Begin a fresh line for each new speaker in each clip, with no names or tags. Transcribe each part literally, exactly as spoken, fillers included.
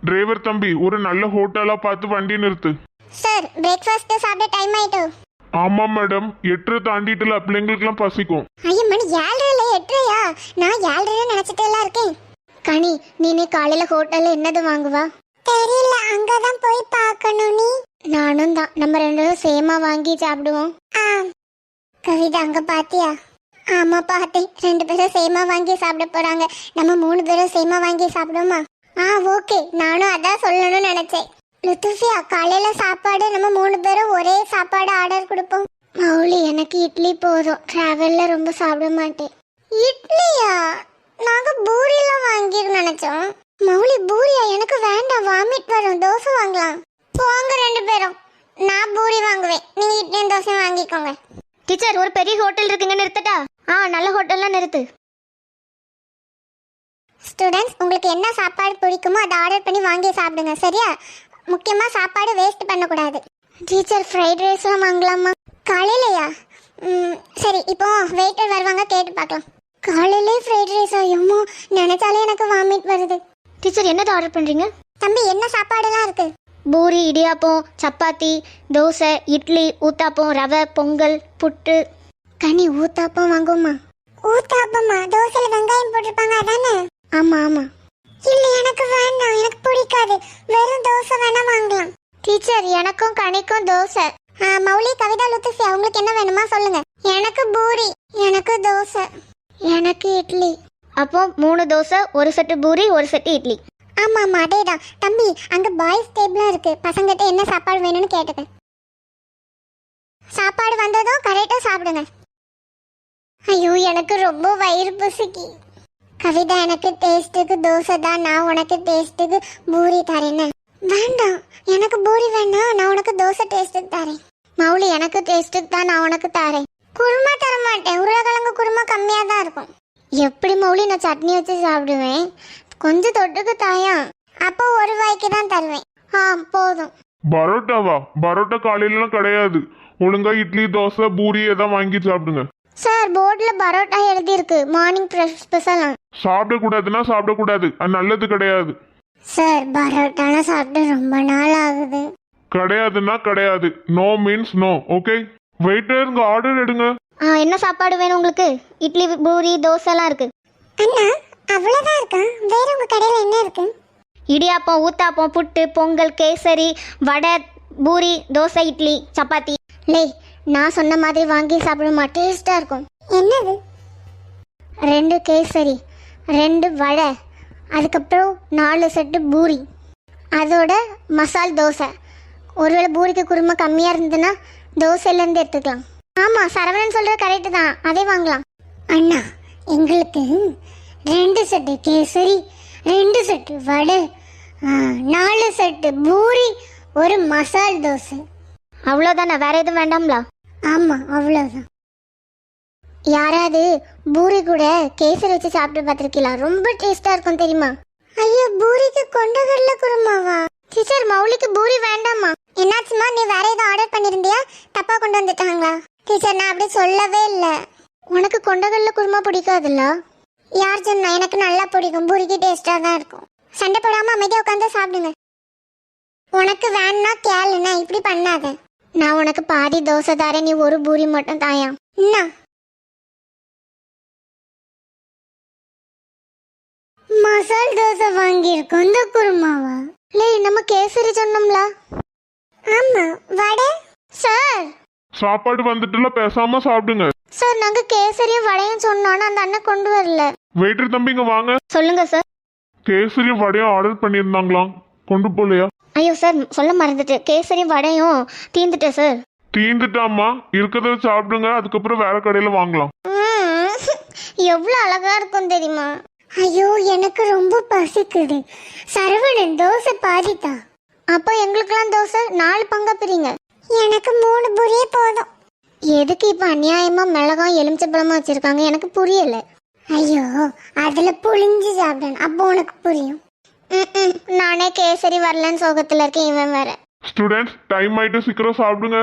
Driver தம்பி ஒரு நல்ல ஹோட்டலா பார்த்து வண்டி நிறுத்து.
சார் பிரேக்ஃபாஸ்ட் சாப்பிட டைம் ஆயிட்டு.
ஆமா மேடம், எட்டரை தாண்டிட்டுல பிள்ளைங்களுக்குலாம் பசிக்கும்.
ஐயோ மணி ஏழரை எட்டரையா? நான் ஏழரை நினைச்சிட்டே எல்லாம் இருக்கேன். கனி நீ காலையில ஹோட்டல்ல என்னது வாங்குவா? தெரியல, அங்கதான் போய் பார்க்கணும். நீ? நானும் தான். நம்ம ரெண்டு பேரும் சேமா வாங்கி சாப்பிடுவோம். கவிதா அங்க பாத்தியா? ஆமா பார்த்தேன். ரெண்டு பேரும் சேமா வாங்கி சாப்பிட போறாங்க. நம்ம மூணு பேரும் சேமா வாங்கி சாப்பிடுவோமா? ஆ ஓகே, நானும் அதான் சொல்லணும்னு நினைச்சேன். லுத்துஃபியா காலையில சாப்பாடு நம்ம மூணு பேரும் ஒரே சாப்பாடு ஆர்டர் கொடுப்போம். மௌலி எனக்கு இட்லி போதும், டிராவல்ல ரொம்ப சாப்பிட மாட்டேன். இட்லியா? நாங்க பூரியெல்லாம் வாங்கிரு நினைச்சோம். மௌலி பூரியா? எனக்கு வேண்டாம், வாமிட் வரும். தோசை வாங்கலாம். போங்க ரெண்டு பேரும். நான் பூரி வாங்குவேன், நீங்க இட்லியும் தோசை வாங்கிக்கோங்க. டீச்சர் ஒரு பெரிய ஹோட்டல் இருக்குங்க, நிறுத்தட்டா? ஆ நல்ல ஹோட்டல்லாம் நிறுத்து. ஸ்டூடெண்ட்ஸ் உங்களுக்கு என்ன சாப்பாடு பிடிக்குமோ அதை ஆர்டர் பண்ணி வாங்கி சாப்பிடுங்க, சரியா? முக்கியமாக சாப்பாடு வேஸ்ட் பண்ணக்கூடாது. டீச்சர் ஃப்ரைட் ரைஸ்லாம் வாங்கலாமா? காலையிலையா? ம் சரி, இப்போ வெயிட்டர் வருவாங்க, கேட்டு பார்க்கலாம். காலையிலே ஃப்ரைட் ரைஸா? எம்மோ நினைச்சாலே எனக்கு வாமிட் வருது. டீச்சர் என்னது ஆர்டர் பண்ணுறீங்க? தம்பி என்ன சாப்பாடுலாம் இருக்கு? பூரி, இடியாப்பம், சப்பாத்தி, தோசை, இட்லி, ஊத்தாப்பம், ரவை, பொங்கல், புட்டு. கனி ஊத்தாப்பம் வாங்குமா? ஊத்தாப்பமா? தோசையில் வெங்காயம் போட்டிருப்பாங்க அதானே? ஆமா ஆமா. இல்ல எனக்கு வேண்டாம், எனக்கு பிடிக்காது. வெறும் தோசை வேணா வாங்கலாம். டீச்சர் எனக்கும் கனிக்கும் தோசை. மௌலி, கவிதா, லுத்துஃபி அவங்களுக்கு என்ன வேணுமா சொல்லுங்க. எனக்கு பூரி. எனக்கு தோசை. எனக்கு இட்லி. அப்போ மூணு தோசை, ஒரு செட்டு பூரி, ஒரு செட்டு இட்லி. ஆமா ஆமா அதேதான். தம்பி அங்க பாய்ஸ் டேபிளும் இருக்கு, பசங்கிட்ட என்ன சாப்பாடு வேணும்னு கேட்டுக்க. சாப்பாடு வந்ததும் கரெக்டா சாப்பிடுங்க. ஐயோ எனக்கு ரொம்ப வயிறு பசிக்கு. கவிதா எனக்கு டேஸ்ட்டுக்கு தோசை தான், நான் உனக்கு டேஸ்ட்டுக்கு பூரி தரேன்னு. வேண்டாம், எனக்கு பூரி வேண்டாம், நான் உனக்கு தோசை டேஸ்ட்டுக்கு தரேன். மௌலி எனக்கு டேஸ்ட்டுக்கு தான், நான் உனக்கு தரேன். குருமா தர மாட்டேன், உருளைக்கிழங்கு குருமா கம்மியாக தான் இருக்கும். எப்படி மௌலி, நான் சட்னி வச்சு சாப்பிடுவேன். கொஞ்சம் தொட்டுக்கு தாயா. அப்போ ஒரு வாய்க்கு தான் தருவேன். ஆ போதும்.
பரோட்டாவா? பரோட்டா காலையிலலாம் கிடையாது. ஒழுங்கா இட்லி, தோசை, பூரி ஏதாவது வாங்கி சாப்பிடுங்க.
சார் போர்டில் பரோட்டா எழுதியிருக்கு, மார்னிங் ஸ்பெஷலாம்.
சாப்பிடக்கூடாதுன்னா சாப்பிடக்கூடாது, அது நல்லது கிடையாது.
சார் பரோட்டாலாம் சாப்பிட்டு ரொம்ப நாள் ஆகுது.
கிடையாதுன்னா கிடையாது. No means no. Okay waiter, இங்க ஆர்டர் எடுங்க.
ஆ என்ன சாப்பாடு வேணும் உங்களுக்கு? இட்லி, பூரி, தோசைலாம் இருக்கு. அண்ணா அவ்வளோதான் இருக்கா? வேற உங்க கடையில் என்ன இருக்கு? இடியாப்பம், ஊத்தாப்பம், புட்டு, பொங்கல், கேசரி, வடை, பூரி, தோசை, இட்லி, சப்பாத்தி. லே நான் சொன்ன மாதிரி வாங்கி சாப்பிடுமா, டேஸ்டா இருக்கும். என்னது? ரெண்டு கேசரி, ரெண்டு வடை, அதுக்கப்புறம் நாலு செட்டு பூரி, அதோட மசால் தோசை. ஒருவேளை பூரிக்கு குருமா கம்மியாக இருந்ததுன்னா தோசையிலேருந்து எடுத்துக்கலாம். ஆமாம் சரவணன் சொல்கிறது கரெக்டு தான், அதே வாங்கலாம். அண்ணா எங்களுக்கு ரெண்டு செட்டு கேசரி, ரெண்டு செட்டு வடை, நாலு செட்டு பூரி, ஒரு மசால் தோசை. அவ்வளோதானே, வேற எதுவும் வேண்டாம்ல? ஆமாம் அவ்வளோதான். யாராவது பூரி கூட கேசரி வச்சு சாப்பிட்டு பார்த்துருக்கீங்களா? ரொம்ப டேஸ்டா இருக்கும் தெரியுமா? ஐயோ பூரிக்கு கொண்டகடலை குருமாவா? டீச்சர் மௌலிக்கு பூரி வேண்டாமா? என்னாச்சுமா, நீ வேற ஏதோ ஆர்டர் பண்ணிருந்தியா? தப்பா கொண்டு வந்துட்டாங்களா? டீச்சர் நான் அப்படி சொல்லவே இல்லை. உனக்கு கொண்டகடலை குருமா பிடிக்காதுல்ல? யார் சொன்னா? எனக்கு நல்லா பிடிக்கும், பூரிக்கு டேஸ்டா தான் இருக்கும். சண்டை போடாம அமைதியா உட்காந்து சாப்பிடுங்க. உனக்கு வேணா கேளுண்ணா, இப்படி பண்ணாத. நான் உனக்கு பாதி தோசை தரேன், நீ ஒரு பூரி மட்டும் தாயா. என்ன மசால் தோசை வாங்கியிருக்கோம், இந்த குருமாவா? லே நம்ம கேசரி சொன்னோம்ல. ஆமா வடை. சார்
சாப்பாடு வந்துட்டுல, பேசாம சாப்பிடுங்க.
சார் நாங்க கேசரியும் வடையும் சொன்னோம், அந்த அண்ணன் கொண்டு வரல.
வெயிட்டர் தம்பிங்க வாங்க.
சொல்லுங்க சார்.
கேசரியும் வடையும் ஆர்டர் பண்ணியிருந்தாங்களாம், கொண்டு போலையா?
ஐயோ சார் சொல்ல மறந்துட்டு, கேசரியும் வடையும் தீந்துட்டேன் சார்.
தீந்துட்டாமா? இருக்கிறத சாப்பிடுங்க, அதுக்கப்புறம் வேற கடையில வாங்கலாம்.
எவ்வளவு அழகா இருக்கும் தெரியுமா? ஐயோ எனக்கு ரொம்ப பசிக்குது. சரவணன் தோசை பாதித்தா. அப்போ எங்களுக்கெல்லாம் தோசை நாலு பங்கா பிரிங்க. எனக்கு மூணு பூரியே போதும். எதுக்கு இப்ப அநியாயமா மிளகாய் எலுமிச்சப்பழமா வச்சிருக்காங்க, எனக்கு புரியல. ஐயோ அதுல புளிஞ்சு சாப்பிடணும், அப்போ உனக்கு புரியும். நானே கேசரி வரலன்னு சோகத்துல இருக்கேன், இவன் வேற.
ஸ்டூடெண்ட்ஸ் டைம் ஆயிட்டு, சீக்கிரம் சாப்பிடுங்க.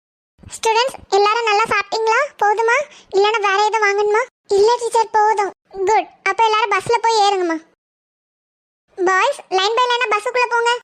ஸ்டூடெண்ட்ஸ் எல்லாரும் நல்லா சாப்பிட்டீங்களா? போதுமா இல்லனா வேற ஏதாவது வாங்கணுமா? இல்ல டீச்சர் போதும். குட். அப்ப எல்லாரும் பஸ்ல போய் ஏறுங்கம்மா. பாய்ஸ் லைன் பை லைனா பஸ்ஸுக்குள்ள போங்க.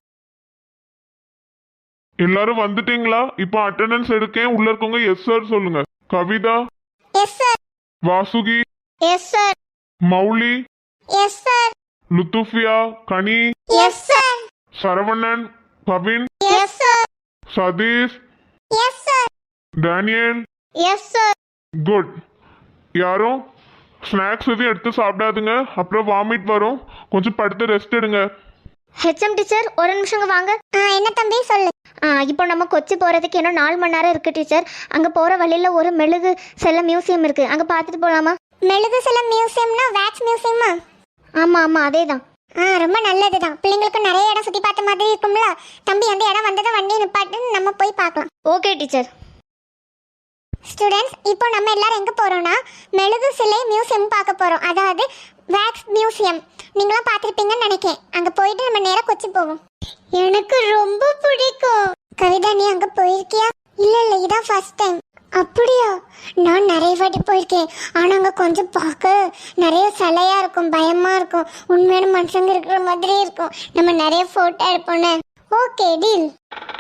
எல்லாரும் வந்துட்டீங்களா? இப்போ அட்டெண்டன்ஸ் எடுக்கேன். உள்ள இருக்கவங்க எஸ் சார் சொல்லுங்க. Kavitha,
yes sir.
Vasuki,
yes sir.
Mouli,
yes sir.
Lutfiya, Kani,
yes sir.
Saravanan, Kavin,
yes sir.
Sathish,
yes sir.
Daniel.
Yes sir.
Good. யாரும் ஸ்நாக்ஸ் எதுவும் எடுத்து சாப்பிடாதுங்க, அப்புறம் வாமிட் வரும். கொஞ்சம் படுத்து ரெஸ்ட் எடுங்க.
ஹெச்எம் டீச்சர் ஒரு நிமிஷங்க வாங்க. ஆ என்ன தம்பி சொல்லு. ஆ இப்போ நம்ம கொச்சி போகிறதுக்கு இன்னும் நாலு மணி நேரம் இருக்குது டீச்சர். அங்கே போகிற வழியில் ஒரு மெழுகு செல்ல மியூசியம் இருக்குது, அங்கே பார்த்துட்டு போகலாமா? மெழுகு செல்ல மியூசியம்னா வேக்ஸ் மியூசியமா? ஆமாம் ஆமாம் அதே தான். ஆ ரொம்ப நல்லது தான். பிள்ளைங்களுக்கு நிறைய இடம் சுற்றி பார்த்த மாதிரி இருக்கும்ல தம்பி. அந்த இடம் வந்ததை வண்டி நிப்பாட்டு நம்ம போய் பார்க்கலாம். Okay teacher. ஸ்டூடெண்ட்ஸ் இப்போ நம்ம எல்லாரும் எங்கே போகிறோம்னா மெழுகு சிலை மியூசியம் பார்க்க போகிறோம். அதாவது வேக்ஸ் மியூசியம். நீங்களும் பார்த்துருப்பீங்கன்னு நினைக்கிறேன். அங்கே போயிட்டு நம்ம நேராக கொச்சி போவோம். எனக்கு ரொம்ப பிடிக்கும். கவிதா நீ அங்கே போயிருக்கியா? இல்லை இல்லை இதான் ஃபர்ஸ்ட் டைம். அப்படியா? நான் நிறைய வாட்டி போயிருக்கேன். ஆனால் அங்கே கொஞ்சம் பார்க்க நிறைய சிலையாக இருக்கும், பயமாக இருக்கும், உண்மையான மனுஷங்க இருக்கிற மாதிரி இருக்கும். நம்ம நிறைய ஃபோட்டோ எடுப்போன்னு. Okay deal.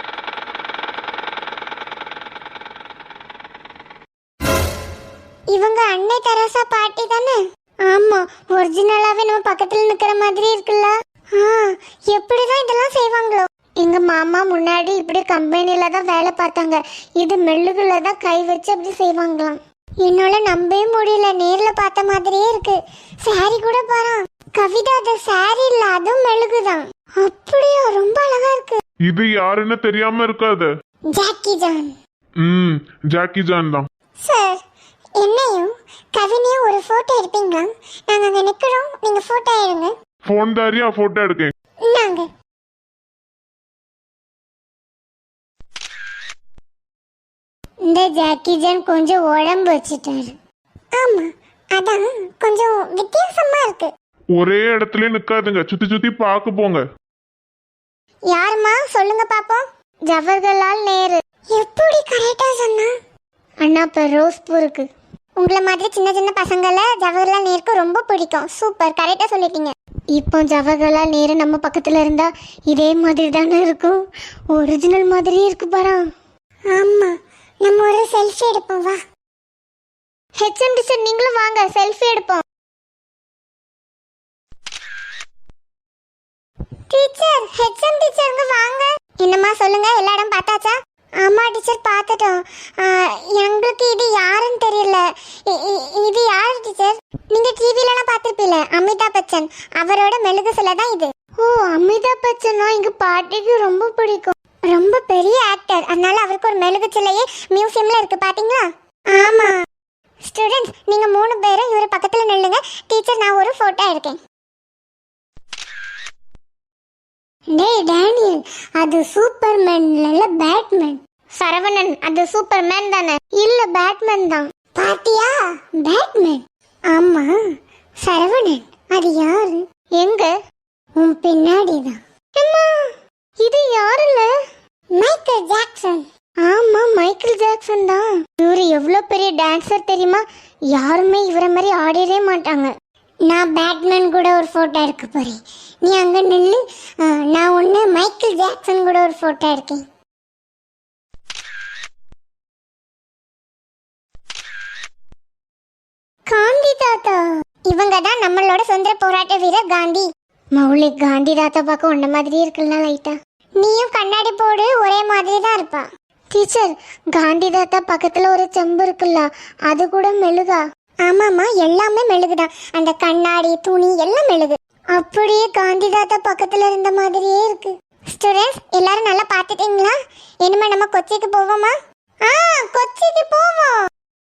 இவங்க அன்னை தெரசா பாட்டி தானே? ஆமா, ஒரிஜினலாவே நம்ம பக்கத்துல நிக்கிற மாதிரி இருக்குல்ல. ஆ எப்படிதான் இதெல்லாம் செய்வாங்களோ. எங்க மாமா முன்னாடி இப்படி கம்பெனில தான் வேலை பார்த்தாங்க. இது மெழுகுல தான் கை வச்சு அப்படி செய்வாங்களாம். என்னால நம்பவே முடியல, நேர்ல பார்த்த மாதிரியே இருக்கு. சாரி கூட பாரு கவிதா, அது சாரி இல்ல, அதுவும் மெழுகுதான். அப்படியா? ரொம்ப அழகா இருக்கு.
இது யாருன்னு தெரியாம இருக்காது.
Jackie Chan.
ம் ஜாக்கி ஜான் தான்.
சார் என்னையும் கவினையும் ஒரு போட்டோ எடுப்பீங்களா? நாங்க அங்க நிக்கிறோம், நீங்க போட்டோ எடுங்க.
போன் தாரியா போட்டோ எடுக்கேன்.
நாங்க இந்த ஜாக்கி ஜான் கொஞ்சம் உடம்பு வச்சிட்டாரு. ஆமா அதான் கொஞ்சம் வித்தியாசமா இருக்கு.
ஒரே இடத்துல நிக்காதுங்க, சுத்தி சுத்தி பார்க்க போங்க.
யாருமா சொல்லுங்க பாப்போம். ஜவஹர்லால் நேரு. எப்படி கரெக்டா சொன்னா? அண்ணா பெரோஸ்பூருக்கு. உங்களை மாதிரி சின்ன சின்ன பசங்களை ஜவஹர்லால் நேருக்கு ரொம்ப பிடிக்கும். சூப்பர், கரெக்டா சொல்லிட்டீங்க. இப்போ ஜவஹர்லால் நேரு நம்ம பக்கத்துல இருந்தா இதே மாதிரி தானே இருக்கும். ஒரிஜினல் மாதிரியே இருக்கு பாரா. ஆமா, நம்ம ஒரு செல்ஃபி எடுப்போம் வா. ஹெச்எம் டீச்சர் நீங்களும் வாங்க, செல்ஃபி எடுப்போம். டீச்சர், ஹெச்எம் டீச்சருங்க வாங்க. என்னம்மா சொல்லுங்க, எல்லா இடம் பார்த்தாச்சா? ஆமா டீச்சர் பார்த்துட்டோம். எங்களுக்கு இது யாருன்னு தெரியல. இது யாரு டீச்சர்? நீங்க டிவிலலாம் பார்த்துருப்பீல, அமிதாப் பச்சன். அவரோட மெழுகு சிலை தான் இது. ஓ அமிதாப் பச்சனா எங்க பாட்டிக்கு ரொம்ப பிடிக்கும். ரொம்ப பெரிய ஆக்டர், அதனால அவருக்கு ஒரு மெழுகு சிலையே மியூசியம்ல இருக்கு பாத்தீங்களா? ஆமா. ஸ்டூடெண்ட்ஸ் நீங்க மூணு பேரும் இவர் பக்கத்துல நில்லுங்க. டீச்சர் நான் ஒரு போட்டோ எடுக்கேன். டேய் டேனியல், அது சூப்பர்மேன் இல்ல பேட்மேன். சரவணன், அது சூப்பர்மேன் தானே? இல்ல பேட்மேன் தான். பாத்தியா? பேட்மேன். ஆமா சரவணன். அது யாரு? எங்க? உன் பின்னாடி தான். அம்மா இது யாருல? Michael Jackson. ஆமா மைக்கேல் ஜாக்சன் தான். இவரு எவ்வளவு பெரிய டான்சர் தெரியுமா? யாருமே இவரை மாதிரி ஆடிடவே மாட்டாங்க. நான் பேட்மேன் கூட ஒரு போட்டோ எடுக்க போறேன். நீ அங்க நில்லு. நான் ஒண்ணு மைக்கேல் ஜாக்சன் கூட ஒரு போட்டோ எடுக்கேன். காந்தி தாத்தா. இவங்க தான் நம்மளோட சுதந்திர போராட்ட வீரர் காந்தி. மௌலி, காந்தி தாத்தா பார்க்க உன்ன மாதிரி இருக்குல்ல லைட்டா. நீயும் கண்ணாடி போடு, ஒரே மாதிரி தான் இருப்பா. டீச்சர், காந்தி தாத்தா பக்கத்துல ஒரு செம்பு இருக்குல்ல, அது கூட மெழுகா? ஆமாமா, எல்லாமே மெழுகுதான். அந்த கண்ணாடி, துணி எல்லாம் மெழுகு. அப்படியே காந்தி தாத்தா பக்கத்துல இருந்த மாதிரியே இருக்கு. ஸ்டூடெண்ட்ஸ் எல்லாரும் நல்லா பார்த்துட்டீங்களா? இனிமே நம்ம கொச்சிக்கு போவோமா? ஆ கொச்சிக்கு போவோம்.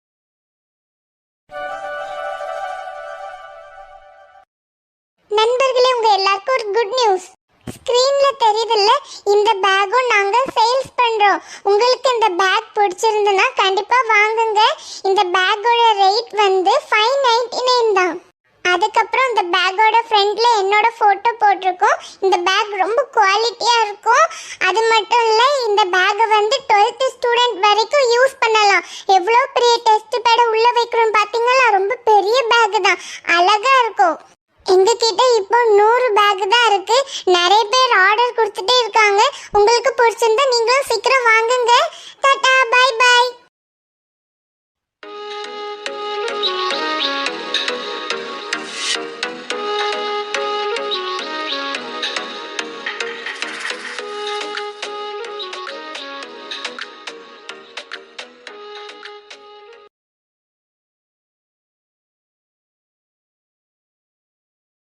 நண்பர்களே, உங்க எல்லாருக்கும் ஒரு குட் நியூஸ். ஸ்கிரீன்ல தெரியுதுல்ல, இந்த பேக்கும் நாங்க சேல்ஸ் பண்றோம். உங்களுக்கு இந்த பேக் பிடிச்சிருந்ததுன்னா கண்டிப்பா வாங்குங்க. இந்த பேக்கோட ரேட் வந்து ஃபைவ் நைன்டி நைன் தான். அதுக்கப்புறம் இந்த பேக்கோட ஃப்ரண்ட்ல என்னோட போட்டோ போட்டிருக்கோம். இந்த பேக் ரொம்ப குவாலிட்டியா இருக்கும். அது மட்டும் இல்ல இந்த பேக்கை வந்து டுவெல்த் ஸ்டூடெண்ட் வரைக்கும் யூஸ் பண்ணலாம். எவ்வளோ பெரிய டெஸ்ட் பேட உள்ள வைக்கிறோம் பாத்தீங்களா? ரொம்ப பெரிய பேக் தான், அழகா இருக்கும். எங்ககிட்ட இப்போ நூறு பேக் தான் இருக்கு. நிறைய பேர் ஆர்டர் கொடுத்துட்டே இருக்காங்க. உங்களுக்கு பிடிச்சிருந்தா நீங்களும் சீக்கிரம் வாங்குங்க. Tata, bye by.